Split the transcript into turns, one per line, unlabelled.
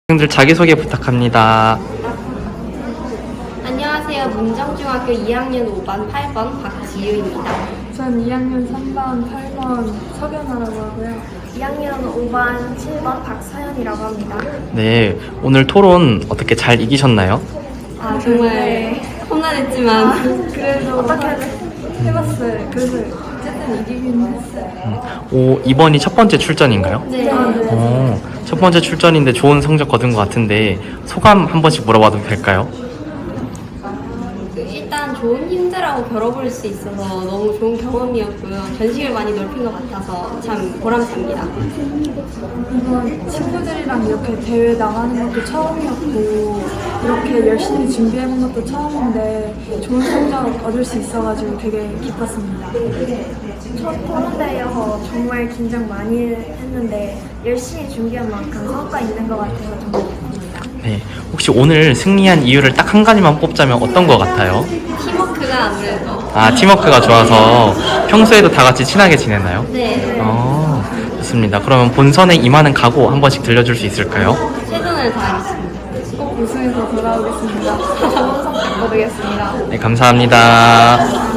학생들 자기소개 부탁합니다.
안녕하세요. 문정중학교 2학년 5반 8번 박지유입니다.
전 2학년 3반 8번 석연아라고 하고요.
2학년 5반 7번 박서연이라고 합니다.
네, 오늘 토론 어떻게 잘 이기셨나요?
아, 정말 험난했지만
그래도 어떻게 해봤어요. 그래서 어쨌든 이기긴 했어요.
이번이 첫 번째 출전인가요?
네.
첫 번째 출전인데 좋은 성적 거둔 것 같은데 소감 한 번씩 물어봐도 될까요?
일단 좋은 힘들하고 겨뤄볼 수 있어서 너무 좋은 경험이었고요. 전식을 많이 넓힌 것 같아서 참 보람찹니다.
이번 친구들이랑 이렇게 대회 나가는 것도 처음이었고 이렇게 열심히 준비해본 것도 처음인데 좋은 성적 얻을 수 있어가지고 되게 기뻤습니다.
첫 토론대회여서 정말 긴장 많이 했는데 열심히 준비한 만큼 성과 있는 것 같아서 정말 기쁩니다.
네, 혹시 오늘 승리한 이유를 딱 한 가지만 뽑자면 어떤 것 같아요?
팀워크가 아무래도
팀워크가 좋아서 평소에도 다 같이 친하게 지내나요?
네.
좋습니다. 그러면 본선에 임하는 각오 한 번씩 들려줄 수 있을까요?
최선을 다하겠습니다.
꼭 우승해서 돌아오겠습니다. 좋은 성적 거두겠습니다.
네, 감사합니다.